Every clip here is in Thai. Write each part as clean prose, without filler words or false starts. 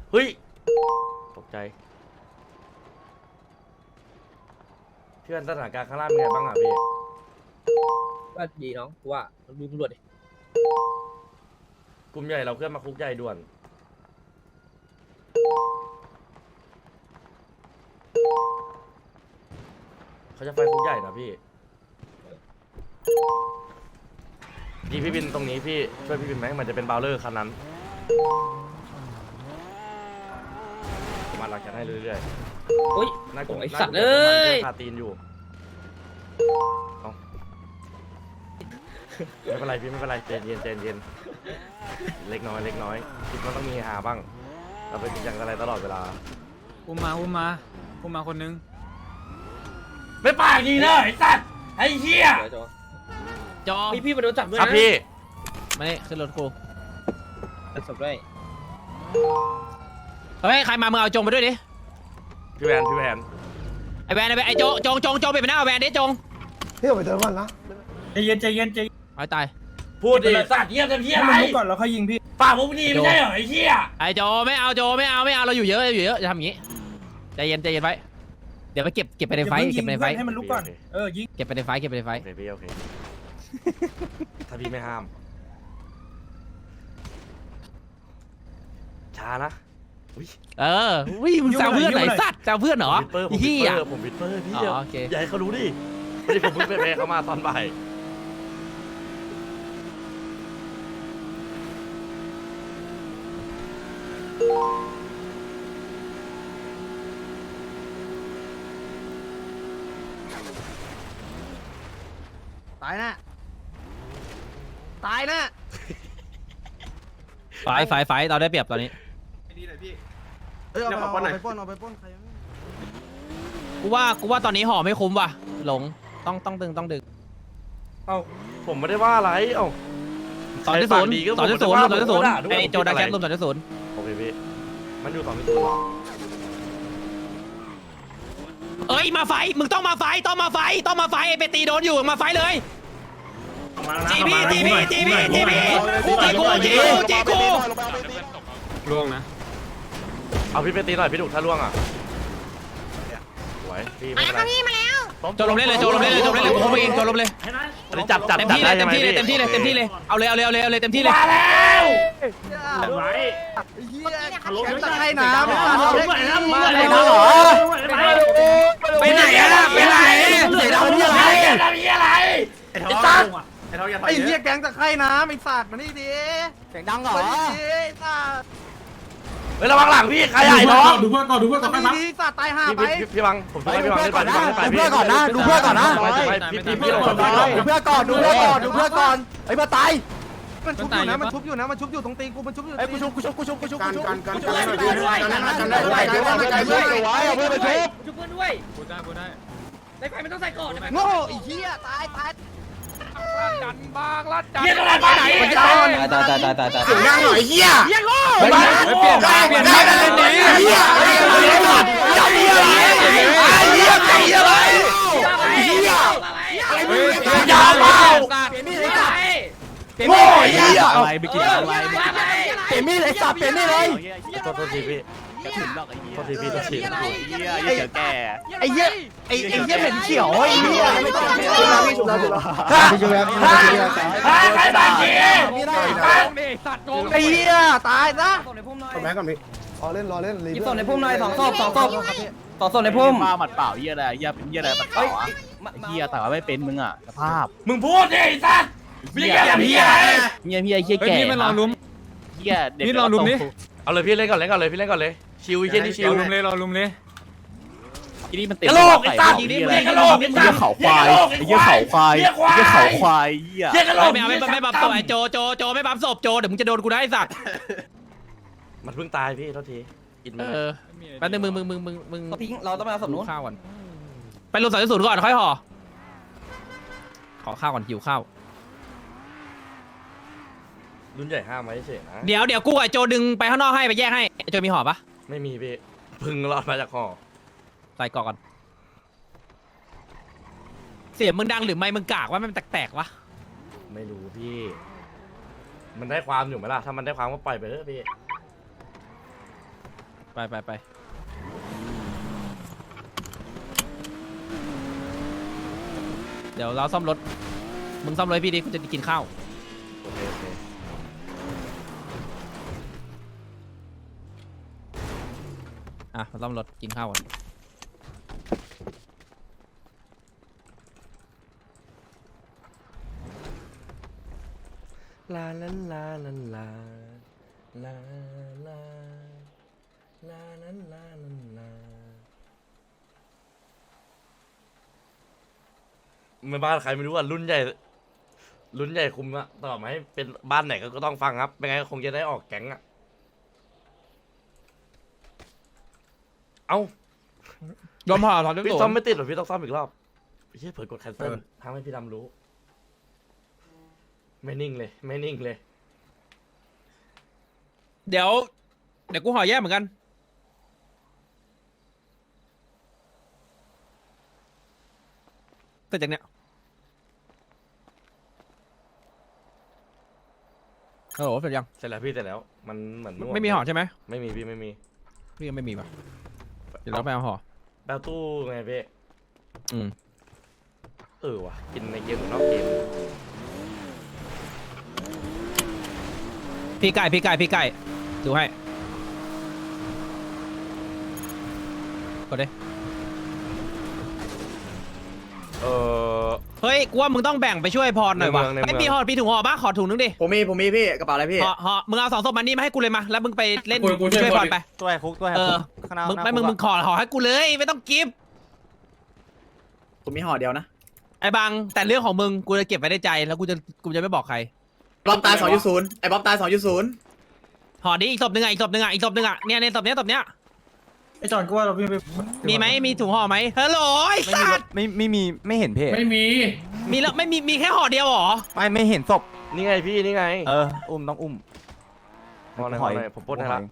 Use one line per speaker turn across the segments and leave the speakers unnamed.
เฮ้ยตกใจเพื่อนสถานการณ์ข้างล่างเป็นไงบ้างอ่ะพี่
ก็ดีน้องกูว่าดูตำรวจดิ
กลุ่มใหญ่เราเคลื่อนมาคุกใหญ่ด่วนเขาจะไฟคุกใหญ่นะพี่ยิงพี่บินตรงนี้พี่ช่วยพี่บินไหมมันจะเป็นบาวเลอร์คันนั้นมาหลังจากให้เรื่อยๆ
โอ้ย
น่ากลัว
ไอ้สัตว์เอ้ย
คาตีนอยู่ไม่เป็นไรพี่ไม่เป็นไรใจเย็นใจเย็นเล็กน้อยเล็กน้อยคิดว่าต้องมีหาบ้างเราเป็นจริงจังอะไรตลอดเวลา
อุ้มมาคนนึง
ไม่ปากดีเลยไอ้สัตว์ไอ้เหี้ย
จอ
พี่มาโดนจับด้วย
ครั
นะ
บพี่
มาเนี่ยขึ้นรถกู
จับศพด้วย
เฮ้ยใครมามึงเอาจงไปด้วยดิ
พี่แวน
ไอแวนไอโจงไปหน้าแวนดิจง
พี่ออกไปเติมก่อนนะ
ใจเย็นใจเย็นใจ
ไอ้ตาย
พูดดิสัตว์เหี้ยเต็มที่อะไร
ให้มันรู้ก่อนแล้วค่อยยิงพี่
ปากพวกนี้ไม่ใช่เหรอไอ้เหี้ย
ไอโจไม่เอาเราอยู่เยอะจะทำอย่างงี้ใจเย็นไว้เดี๋ยวไปเก็บไปในไฟ
ให้มันรู้ก่อนยิง
เก็บไปในไฟ
โอเคพี่โอเคถ้าพี่ไม่ห้ามช้านะ
วิ่งมึงแซวเพื่อนไหนสัตว์แซวเพื่อนเหรอ
ผมวิดเปอร์พี่เดียวอย่าให้เขารู้ดิไม่ได้ผมเพิ่งไปเขามาตอนบ่าย
ตายนะ
ไฟเราได้เปรียบตอนนี้
ดีเลยพี่
เอาไปปล้นใคร
กูว่าตอนนี้ห่อไม่คุ้มว่ะหลงต้องดึง
เอ้าผมไม่ได้ว่าอะไรเอ้า
2.0ไอโจดักแคทรวม2.0
โอเคพี่มันอยู่2.0
เอ้ยมาไฟมึงต้องมาไฟไอไปตีโดนอยู่มาไฟเลยจีบีล่วงนะ
เอาพี่ไปตีหน่อยพี่ดุถ้าล่วงอ่ะสวยพี่ไม่เป็นไร
โจลมเล่นเลยกูเข้าไปเองโจลมเลย
อันนี้จับเต็มที่เลย
เอาเลยเต็มที่เลย
มาแล้ว
ไว้
ตะไคร่น้ำ
มาเลย
ไปไหนเสียดาวนี่อะไร
ไอ้ท้อง
ไอ้เหี้ยแก๊งตะไคร่น้ำไอ้สัตว์มานี่ดิเสียงดังเหรอไอ้สัตว์
เฮ้ยระวังหลังพี่ใครใหญ่น้อง
ดูเพื่อนก่อน
นี่สัตว์ตายห่าไป
พี่บังผมช่วยพี่บังเล่นไป
ดูเพื่อนก่อนนะดูเพื่อนก่อนนะ
พี่ลง
ดูเพื่อนก่อนไอ้มาตายมันชุบอยู่ตรงตีนกูมันชุบอยู่ไอ้กูชุบกัน
ชุบเพื่อนด้วย
กูได้
ในไฟมันต้องใส่ก่อน
โง่ไอ้เหี้ยตาย
จันบางลัดจัน
เฮียอะไรบ้าไหน
ตายเสียงดังหน่อยเหี้ย
โง่
เปลี่ยนได้เลยดี
เหี้ยยาวเปล่าโง่เหี้ย
อะไรไปกินอะไร
เปลี่ยนมีดไอ้สัตว์เปลี่ยนมีดเลย
โทษทีพี่โทษทีไ
อ้เหี้ยเหม็นเขียวไอ้เหี้ยไม่ต้อง
ใครบ้าจี
ไอ้เหี้ยตายซะ
แม่ก่อนพี่
รอเล่น
ยิบศพในพุ่มหน่อย2 ศพ2 ศพในพุ่ม
มาหมัดเปล่าเฮียอะไรเฮียเป็นเฮียอะไรหมัดเปล่าเฮียแต่ว่าไม่เป็นมึงอ่ะสภาพ
มึงพูดดิสัตว์พี่แกเฮีย
เฮียแก่
นี่มันรอลุ้ม
เฮียเด็ก
นี่รอลุ้มนี่
เอาเลยพี่เล่นก่อนเลยพี่เล่นก่อนเลยชิวเฮียนี่ชิว
รอลุ้มเลย
ทีนี้มันเต็ม
กระโหลกไอ้สัตว์
เฮียเขาควายเฮียเขาควายเฮีย
ไม่บับศพไอโจไม่บับศพโจเดี๋ยวมึงจะโดนกูได้สัตว์
มันเพิ่งตายพี่โทษทีอินมา
แป๊บนึงมึง
ทิ้งเราต้องมาเอาศพนู้น
ข้าวก่อนไปรวม2.0ก่อนค่อยห่อขอข้าวก่อนหิวข้าว
รุ่นใหญ่ห้ามไว้เฉยนะ
เดี๋ยวกูกับไอโจดึงไปข้างนอกให้ไปแยกให้ไอโจมีห่อปะ
ไม่มีพี่พึ่งรอดมาจากห่อ
ใส่กล่องก่อนเสียงมึงดังหรือไม่มึงกากว่ามันแตกวะ
ไม่รู้พี่มันได้ความอยู่ไหมล่ะถ้ามันได้ความก็ปล่อยไปเถอะพี่
ไปเดี๋ยวเราซ่อมรถมึงซ่อมรถให้พี่ดิกูจะกินข้าว
โอเคโอเค
อ่ะมาซ่อมรถกินข้าวก่อน
ลาลาลาลาลาลาลาลาลาลาลาไม่บ้านใครไม่รู้อ่ะรุ่นใหญ่คุมอะต่อมาให้เป็นบ้านไหนก็ต้องฟังครับไม่งั้นคงจะได้ออกแก๊งอะเอ้าย
อมห่อถอนด้วย
พี่
ตัว
ซ่อมไม่ติดหรอพี่ต้องซ่อมอีกรอบพี่เผยกดแคนเซิลทำให้พี่ดำรู้ไม่นิ่งเลย
เดี๋ยวกูห่อแยกเหมือนกันแต่จากเนี้ยโอ้โหเสร็จยัง
เสร็จแล้วพี่เสร็จแล้วมันเหมือนนวด
ไม่มีห่อใช่ไหม
ไม่มีพี่ไม่มี
พี่ก็ไม่มีป่ะเดี๋ยวเราไปเอาห่อ
แปลตู้ไงพี่
อืม
ว่ะกินในเกมหรือนอกเกม
พี่ไก่ดูให้กดดิเฮ้ยกูว่ามึงต้องแบ่งไปช่วยพรหน่อยวะไอ้พี่ห่อพี่ถุงห่อบ้าขอถุงนึงดิ
ผมมีพี่กระเป๋าอะไรพี่
ห่อมึงเอา2 ศพมันนี่มาให้กูเลยมาแล้วมึงไปเล่น
กูช่วย
ช่วยพรไป
ตัวไอ้คุกตัวไอ้
เอ
คุ
อก
ข้างหน้า
มึงขอห่อให้กูเลยไม่ต้องกิฟต์
ผมมีห่อเดียวนะ
ไอ้บางแต่เรื่องของมึงกูจะเก็บไว้ในใจแล้วกูจะไม่บอกใคร
บ๊อบตาย2.0ไอ้บ๊อบตาย2.0
ห่อดิอีกศพหนึ่งอ่ะเนี่ยในศพเนี้ย
ไอ้จอนก็ว่าเราพี่ไป
มีไหมมีถุงห่อไหมฮัลโหลไอ้สัตว์
ไม่เห็นเพจ
ไม่มี
มีแล้วมีแค่ห่อเดียวเหรอ
ไม่เห็นศพ
นี่ไงพี่นี่ไง
ต้องอุ้ม
มองหน่อยผมปล้นให้ละ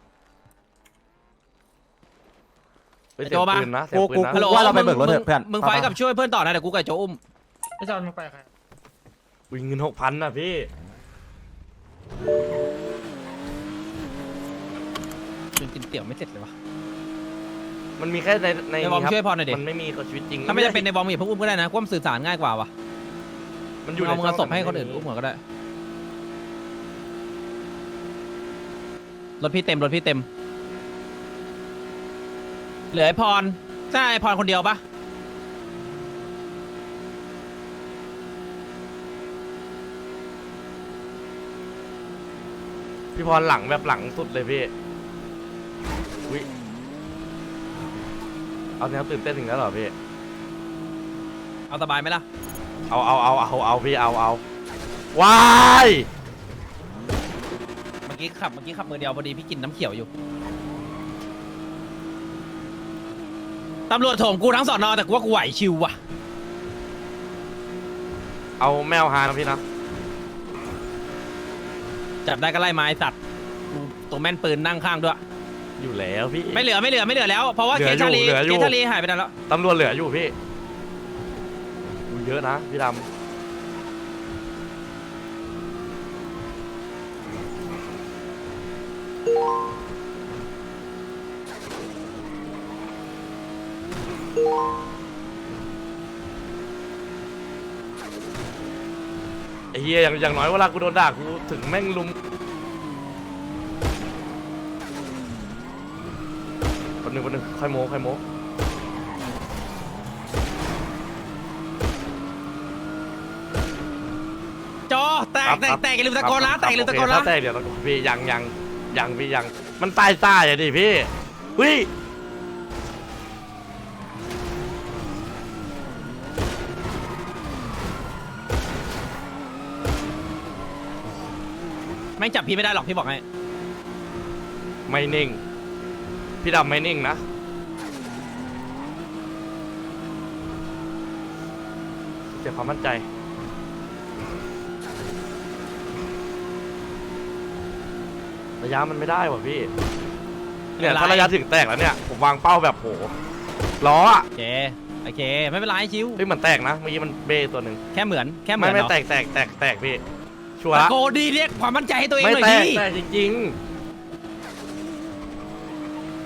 ไปเสีย
โจ
ง
มา
ปืนนะเสียงปืนนะ
ฮัลโหล
ว่าเราไปเบิกรถเถอะเพื่อน
มึงไฟกับช่วยเพื่อนต่อนะเดี๋ยวกูกับโจอุ้ม
ไอ้จอนมึงไปใคร
อุ้ยเงิน6,000นะพี่
กินเตี๋ยวไม่เสร็จเลยวะ
มันมีแค่ใน
ในวอร์ม
นี้ครับ
ช่วยพรหน่อยดิ
มันไม่มีกับชีวิตจริง
ถ้าไม่จะเป็นในวอร์มอย่าเพิ่งอุ้มก็ได้นะกูว่ามันสื่อสารง่ายกว่าวะ
มันอยู่ใน
เอามึงเอาศพให้คนอื่น
ช่ง
อุ้มก่อนก็ได้รถพี่เต็มเหลือไอ้พรใช่ไอ้พรคนเดียวปะ
พี่พรหลังแบบหลังสุดเลยพี่อุ้ยเอาแนวตื่นเต้นถึงแล้วเหรอพี่
เอาสบายไหมล่ะ
เอาพี่เอาว้าย
เมื่อกี้ขับมือเดียวพอดีพี่กินน้ำเขียวอยู่ตำรวจโถมกูทั้งสอนอแต่กูว่ากูไหวชิวว่ะ
เอาแมวหานะพี่นะ
จับได้ก็ไล่ไม้สัตว์กูตัวแม่นปืนนั่งข้างด้วย
อยู่แล้วพี่
ไม่เหลือแล้วเพราะว่า
เหลื
เค
อ
ส
อยู่
ชาลี
เหลืออยู่
เคสชาลีหายไปนานแล้ว
ตำรวจเหลืออยู่พี่ดูเยอะนะพี่ดำไอ้เหี้ยอย่างน้อยเวลากูโดนด่ากูถึงแม่งลุมคนหนึ่งค่อยโม้
จอแตกอย่าลืมตะโกนนะแตกอย่าลืมตะโกนนะ
ถ้าแตกเดี๋ยวตะโกนพี่ยังพี่ยังมันตายซ่าอย่าดิพี่วิ
ไม่จับพี่ไม่ได้หรอกพี่บอกให้
ไม่นิ่งพี่ดำไม่นิ่งนะเสียความมั่นใจระยะมันไม่ได้ว่ะพี่เนี่ยถ้าระยะถึงแตกแล้วเนี่ยผมวางเป้าแบบโหล้ออะ
โอเคไม่เป็นไรชิว
เฮ้ยมันแตกนะเมื่อกี้มันเบ้ตัวหนึ่ง
แค่เหมือน
ไม่
เหรอ
แตกพี่ชัวร์
ตะ
ละ
โกนดีเรียกความมั่นใจให้ตัวเอง
ไม่
หน่อย
แตก
ดิ
จริง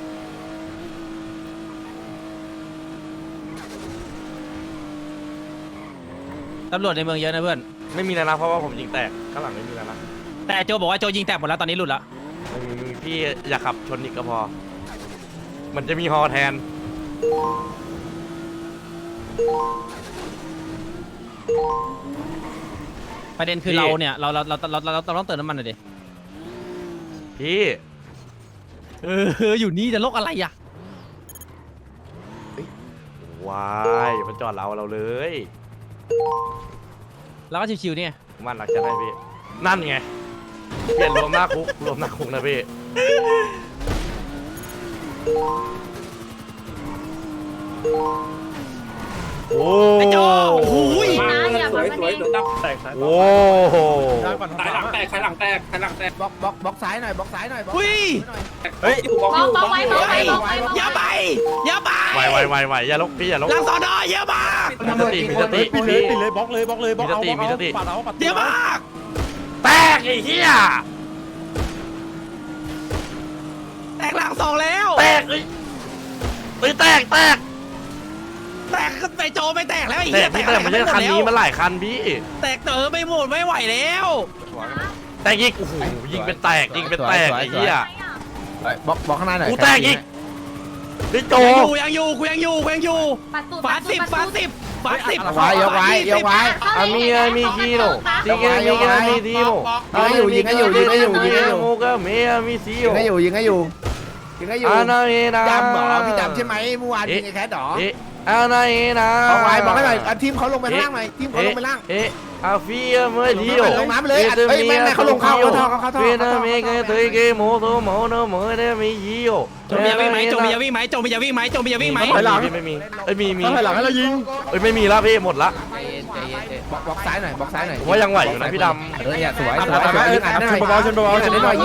ตำรวจในเมืองเยอะนะเพื่อน
ไม่มีแล้วนะเพราะว่าผมยิงแตกข้างหลังไม่มีแล้วนะ
แต่โจบอกว่าโจยิงแตกหมดแล้วตอนนี้หลุดละ
ไม่มีพี่อย่าขับชนอีกก็พอ มันจะมีฮอแทน
ประเด็นคือ
พี่
เราเนี่ยเราต้องเติมน้ำมันหน่อยดิ
พี่
อยู่นี่จะโลกอะไรอ่ะ
ว้ายมันจอดเราเลย
แล้วก็ชิวๆเนี่ย
มันหลักจะได้พี่ นั่นไงเปลี่ยนรวมหน้าคุกรวมหน้าคุกนะพี่ โอ้
ไอ้โจโอ้โหย
นะอย่ามาประเด็น
โอ้โห
บล็อกซ้ายหน่อยบล็อกซ้ายหน่อยบล็อก
อุ้ย
เฮ้ย
บอกไว้บอกไว้บอกไว้
อย่าไปอย่าไป
ไหวอย่าลกพี่อย่าลก
หลังสอนอเยอะมาก
มีสติ
ปิดเลยปิดเลยบล็อกเลยบล็อกเลยบล็อกเอา
มีสติ
ปัดเอาปัด
เยอะมาก
แตกไอ้เหี้ย
แตกหลังสองแล้ว
แตกเอ้ยแตก
แตกก็ไปโจไม่แตกแล้วไอ้
แต
เหี้ย
กพี่แต่มันไม่ใช่คันนี้มันหลายคันพี่
แตกไม่หมดไม่ไหวแล้ว
แตกอีกโอ้โหยิงเป็นแตกไอ้เหี้ย
บล็อกข้างหน้าหน่อย
กูแตกอีกพี่โจ
ยังอยู่กูยังอยู่
ปัดตูด
ฝาสิบ
ปัดตูด
ยกไว้
มีคีโร่ตีเกมมีทีโร่
ยิงให้อยู่
โมก็เมียมีซีโร่
ยิงให้อยู่
อานาเอนา
ดำหรอพี่ดำใช่ไหมเมื่อวานยิงไอ้แคทหรอ
อานาเอนา
เอาไว้บอกให้หน่อยทีมเขาลงไปข้างล่างหน่อยทีมเขาลงไปล่าง
อาฟิเมื่อทีโร่
ลงน้ำเลยเฮ้ยแม่เขาลงเข้าท่อ
เวียดเมกเตยเกโมโซโมโนโมเดมียีโร่
โจมียาวิ่งไหมโจมียาวิ่งไหม
ไม่มีเอ้ยมี
ถอยหลังให้เรายิง
เอ้ยไม่มีแล้วพี่หมดละ
บล็อกซ้ายหน่อย
ผมว่ายังไหวอยู่นะพี่ด
เนี่ยสวยยิงอ่านได้หน่อยยิงอ่านได้หน่อย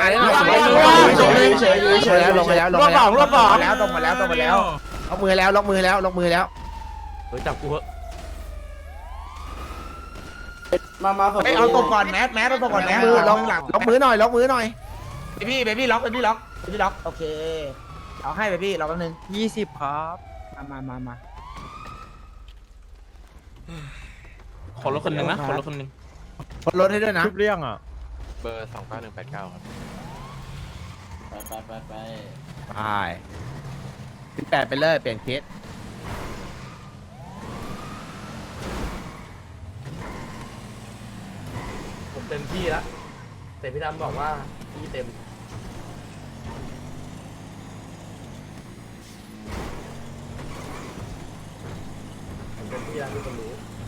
เฉยลงมาแล้วลงมาแล้วเอามือแล้ว
ำเฮ้ยจับกูเหอะ
เอาตบก่อนแมสเอาตบก่อนแมสล็อกมือหน่อยพี่ล็อกโอเคเอาให้ไปพี่ล็อกแป๊บนึง
20ครับ
มา
ขอรถคนหนึ่งนะขอรถคนหนึ่ง
คนรถให้ด้วยนะ
ทุบเรื่องอ่ะ
เบอร์29189ครับ
ไป18ไปเลยเปลี่ยนเคส
ผมเต็มที่แล้วแต่พี่ดำบอกว่าพี่เต็มผมเต็มที่แล้วทุกคนรู้